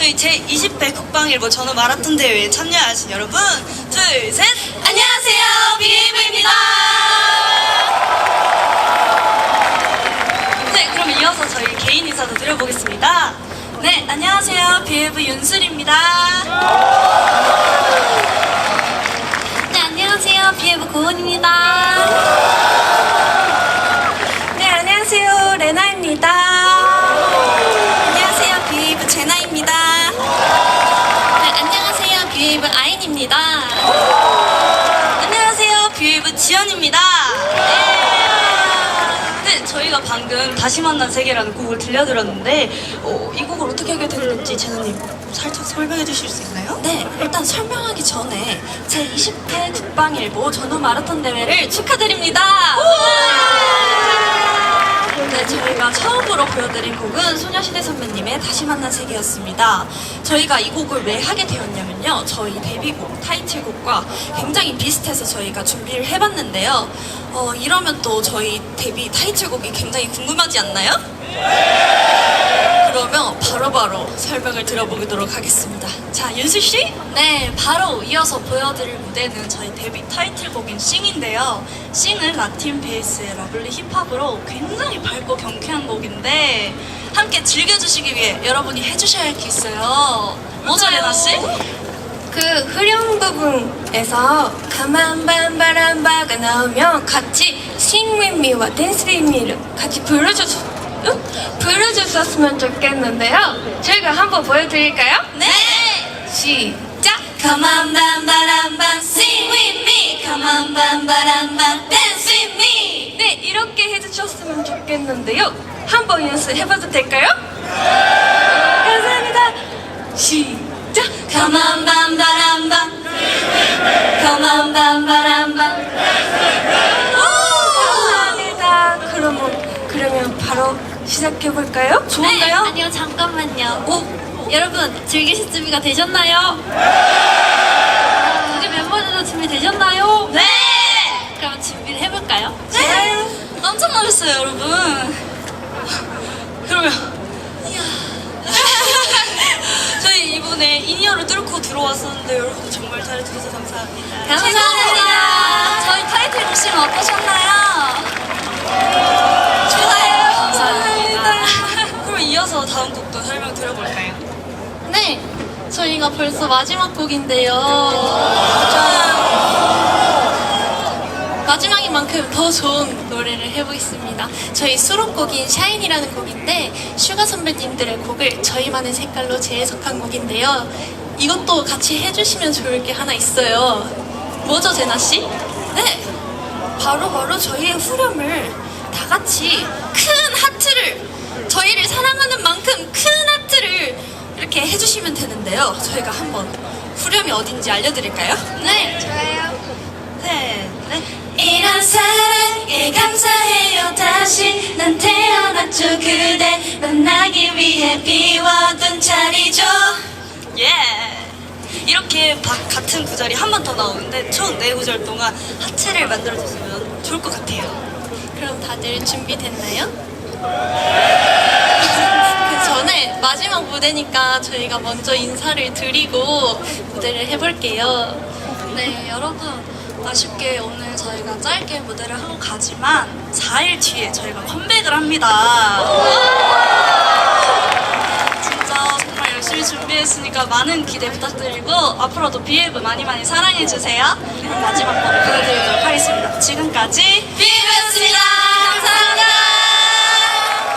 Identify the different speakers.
Speaker 1: 저희 제20회 국방일보 전후 마라톤 대회에 참여하신 여러분, 둘, 셋!
Speaker 2: 안녕하세요, BAV입니다.
Speaker 1: 네, 그럼 이어서 저희 개인 인사도 드려보겠습니다.
Speaker 2: 네, 안녕하세요, BAV 윤슬입니다. 네, 안녕하세요, BAV 고은입니다. 네, 안녕하세요, 레나입니다. 안녕하세요, BAV 제나입니다. 네, 안녕하세요, BAV 아인입니다.
Speaker 1: 안녕하세요, 뷰이브 지연입니다. 네, 저희가 방금 다시 만난 세계라는 곡을 들려드렸는데 이 곡을 어떻게 하게 됐는지 제나님 살짝 설명해 주실 수 있나요?
Speaker 2: 네, 일단 설명하기 전에 제20회 국방일보 전후 마라톤 대회를 축하드립니다. 네, 저희가 처음으로 보여드린 곡은 소녀시대 선배님의 다시 만난 세계였습니다. 저희가 이 곡을 왜 하게 되었냐면요, 저희 데뷔곡, 타이틀곡과 굉장히 비슷해서 저희가 준비를 해봤는데요. 이러면 또 저희 데뷔 타이틀곡이 굉장히 궁금하지 않나요? 그러면 바로바로 설명을 들어보도록 하겠습니다. 자, 윤수씨?
Speaker 1: 네, 바로 이어서 보여드릴 무대는 저희 데뷔 타이틀곡인 싱인데요. 싱은 라틴 베이스의 러블리 힙합으로 굉장히 밝고 경쾌한 곡인데 함께 즐겨주시기 위해 여러분이 해주셔야 할 게 있어요. 뭐죠, 레나씨?
Speaker 2: 그 후렴 부분에서 가만밤바람바가 나오면 같이 Sing with me와 Dance with me를 같이 불러줬었으면 좋겠는데요. 저희가 한번 보여드릴까요?
Speaker 1: 네!
Speaker 2: 시작! 가만밤바람밤 Sing with me, 가만밤바람밤 Dance with me. 네, 이렇게 해주셨으면 좋겠는데요. 한번 연습해봐도 될까요? 감사합니다. 시작! 가만밤바람밤 가만밤바람밤. 감사합니다. 그러면 바로 시작해볼까요?
Speaker 1: 좋은가요?
Speaker 2: 아니요, 잠깐만요. 여러분, 즐기실 준비가 되셨나요? 우리 멤버들도 준비되셨나요?
Speaker 1: 네!
Speaker 2: 그럼 준비를 해볼까요?
Speaker 1: 네! 깜짝 놀랐어요, 여러분. 그러면 저희 이번에 인이어를 뚫고 들어왔었는데 여러분들 정말 잘해주셔서 감사합니다.
Speaker 2: 감사합니다.
Speaker 1: 저희 타이틀 곡싱 어떠셨나요?
Speaker 2: 좋아요.
Speaker 1: 감사합니다. 그럼 이어서 다음 곡도 설명 드려볼까요?
Speaker 2: 네, 저희가 벌써 마지막 곡인데요. 마지막인 만큼 더 좋은 노래를 해보겠습니다. 저희 수록곡인 샤인이라는 곡인데 슈가 선배님들의 곡을 저희만의 색깔로 재해석한 곡인데요. 이것도 같이 해주시면 좋을 게 하나 있어요. 뭐죠, 제나씨? 네, 바로 저희의 후렴을 다 같이 큰 하트를, 저희를 사랑하는 만큼 큰 하트를 이렇게 해주시면 되는데요. 저희가 한번 후렴이 어딘지 알려드릴까요? 네, 좋아요.
Speaker 1: 네, 네.
Speaker 2: 이런 사랑에 감사해요. 다시 난 태어났죠. 그대 만나기 위해 비워둔 자리죠.
Speaker 1: 예! 이렇게 같은 구절이 한 번 더 나오는데 총 4구절 동안 하체를 만들어줬으면 좋을 것 같아요.
Speaker 2: 그럼 다들 준비됐나요? 그 전에 마지막 무대니까 저희가 먼저 인사를 드리고 무대를 해볼게요.
Speaker 1: 네, 여러분 아쉽게 오늘 저희가 짧게 무대를 하고 가지만 4일 뒤에 저희가 컴백을 합니다. 진짜 정말 열심히 준비했으니까 많은 기대 부탁드리고 앞으로도 BAV 많이 사랑해주세요. 그럼 마지막 곡 보여드리도록 하겠습니다. 지금까지 BAV